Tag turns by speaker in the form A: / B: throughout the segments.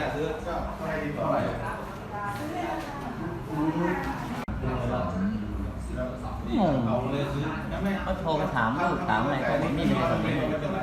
A: ซื้อก็ให้ดีกว่าเอาเลยซื้อไม่
B: เขาโทรมาถามลูกถามอะไรก็ไม่มีแบบนี้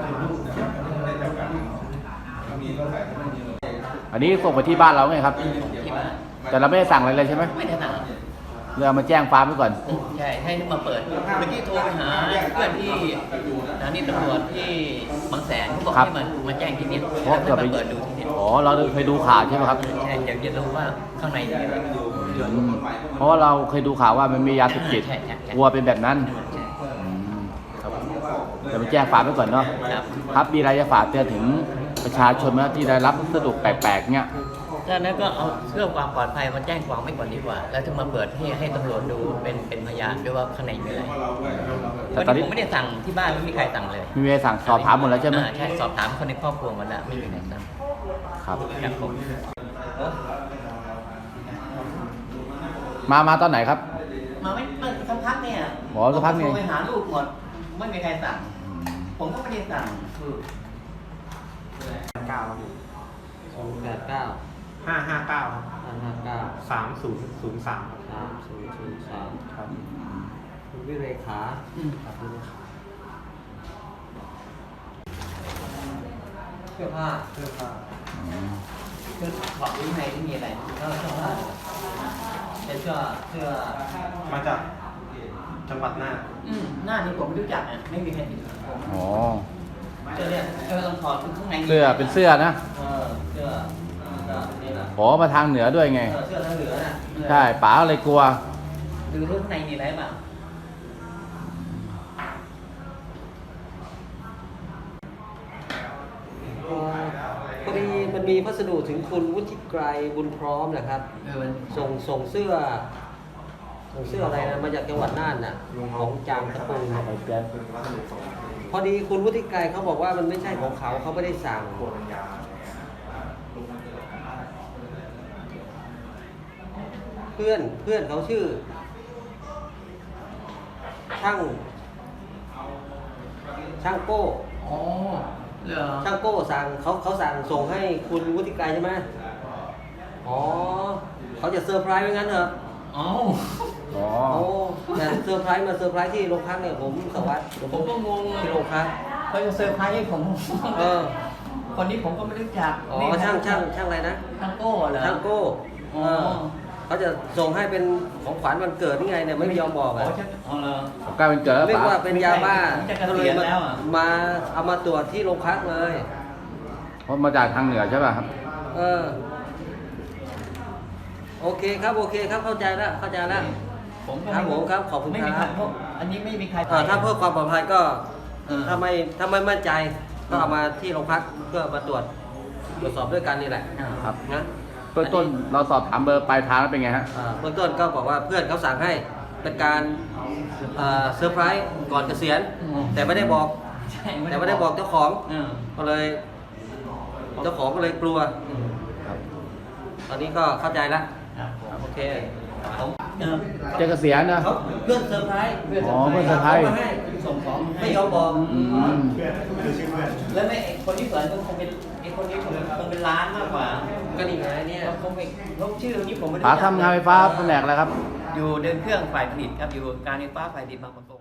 C: อันนี้ส่งไปที่บ้านเราไงครับ
B: ที่บ้าน
C: แต่เราไม่ได้สั่งอะไรเลยใช่ไหม
B: ไม่ได้สั่ง
C: เรามาแจ้งฟาร์มไว้ก่อน
B: ใช่ให้มาเปิดเมื่อกี้โทรไปหาเพื่อนที่สถานีตำรวจที่บางแสนเขาบอกให้มาแจ้งที่นี่แล้วให้มาเปิดดูที่นี่
C: อ๋อเราเคยดูข่าวใช่ไหมครับ
B: ใช่อยากจะรู้ว่าข้างในมีอะไร
C: เพราะว่าเราเคยดูข่าวว่ามันมียาเสพติด
B: ใช่
C: กลัวเป็นแบบนั้น
B: ใช่
C: ครับเดี๋ยวไปแจ้งฟาร์มไว้ก่อนเนาะ
B: ครับ
C: ครับมีอะไรจะฝากเตือนถึงประชาชนไหมที่ได้รับพัสดุแปลกๆเนี่ย
B: จากนั้นก็เอาเรื่องความปลอดภัยมาแจ้งความไว้ก่อนดีกว่า แล้วถึงมาเปิดให้ตำรวจดูเป็นพยานด้วยว่าข้างในมีอะไร
C: แต่
B: วัน
C: ตอน
B: นี้
C: นี้
B: ผมไม่ได้สั่งที่บ้านไม่มีใครสั่งเลย
C: มีเวลาสั่งสอบถามหมดแล้วใช่ไหม
B: ใช่สอบถามคนในครอบครัวหมดแล้วไม่มีใครสั่ง
C: ครับ
B: ครับผม
C: มาตอนไหนครับ
B: มาไม่สักพักเนี่ย
C: อ๋อสักพักนี่
B: โทรไปหาลูกหมดไม่มีใครสั่ง ผมก็ไม่ได้สั่ง
D: 089
E: 559
D: 3003
E: 3003
D: ครับ
E: คุณวิเรขา
D: ครับนี่ครับ
E: เสื้อผ้า
D: เสื้อผ้า
B: คือบอกวินัยที่มีอะไรก็เสื้อผ้าเป็นเสื้อ
D: มาจากจังหวัดน่าน
B: หน้านี้ผมไม่รู้จักอ่ะไม่มีใครติดผม
C: อ๋อ
B: เสื้อเนี่ยเสื้อต้องถอดข้างใน
C: เสื้อเป็นเสื้อนะ
B: เสื้อนี่แหละ
C: ขอมาทางเหนือด้วยไง
B: เสื้อทางเหนือน่ะ
C: ใช่ป๋าเลยกลัว
B: ดูรูปข้างในมีอะไรบ้าง
E: พอดีมันมีพัสดุถึงคุณวุฒิไกรบุญพร้อมนะครับ
B: มัน
E: ส่งเสื้ออะไรนะมาจากจังหวัดน่านน่ะของจามตะปูพอดีคุณวุฒิไกรเขาบอกว่ามันไม่ใช่ของเขาไม่ได้สั่งเพื่อนเขาชื่อ ช่างโก้
B: อ๋อเหรอ
E: ช่างโก้สั่งเขาสั่งส่งให้คุณวุฒิไกรใช่ไหมอ๋อเขาจะเซอร์ไพรส์ไว้งั้นเหรอ
B: อ๋อ
C: อ๋อ
E: โอ้แต่เซอร์ไพรส์มาเซอร์ไพรส์ที่โรงพักเนี่ยผมสวัสดิ์
B: ผมก็งง
E: ที่โรงพัก
B: เขาจะเซอร์ไพรส์ให้ผม
E: เออ
B: คนนี้ผมก็ไม่รู้จัก
E: อ๋อช่างอะไรนะ
B: ช่างโก้เหรอ
E: ช่างโก้
B: อ๋อ
E: เขาจะส่งให้เป็นของขวัญวันเกิดนี่ไงเนี่ยไม่ยอมบอก
B: อ๋
E: อ่ะ
B: อช่างอ๋อเหรอ
C: กลายเป็นเกิดแล้ว
E: เรียก
C: ป๋า
E: ว่าเป็นยาบ้า
B: ผมจะเก
E: ก็
B: ษี
E: เลย
B: ยณแล้วอ่ะ
E: มาเอามาตรวจที่โรงพักเลย
C: เพราะมาจากทางเหนือใช่ป่ะครับ
E: เออโอเคครับเข้าใจแล้ว
B: ผมก็
E: ครับผมครับขอบคุณ
B: ไม่มี
E: ค
B: ใค
E: รั
B: ร
E: บ
B: เพราะอันนี้ไม่มีใคร
E: ถ้าเพื่อความปลอดภัยก็
B: เออ
E: ถ้าไม่มั่นใจก็เอามาที่โรงพักเพื่อมาตรวจสอบด้วยกันนี่แหละ
C: ครับ
E: นะ
C: เบื้องต้นเราสอบถามเบอร์ปลายทางแล้วเป็นไงฮะ
E: เบื้องต้นก็บอกว่าเพื่อนเขาสั่งให้เป็นการเซอร์ไพรส์ก่อนเกษียณแต่ไม่ได้บอก
B: ใช่
E: แต่ไม่ได้บอกเจ้าของ
B: เออ
E: ก็เลยเจ้าของก็เลยกลัว
C: ครับ
E: ตอนนี้ก็เข้าใจแล้ว
B: ครับ
E: โอเค
B: ผมเออ
C: จะเกษียณนะ
E: เขาเพื่อนเซอร์ไพรส์
C: อ๋อเพื่อนเซอร์ไพรส์
E: ขามาให้
B: ส่งของ
E: ไม่ยอมบอก
C: อืม
D: เพื่อนคือชื่อเพื่อน
B: แล้วไม่คนที่เปิดคงเป็นไอ้คนนี้คงเป็นร้านมากกว่า
E: ก็นี่ไงเนี่ย
B: เขาคงไม่เขาชื่อนี้ผมไม่รู้
C: ป๋า
B: จัก
C: ทำงานไฟฟ้าแผนกอะไรครับ
B: อยู่เดินเครื่องฝ่ายผลิตครับอยู่การไฟฟ้าฝ่ายผลิตบางประกง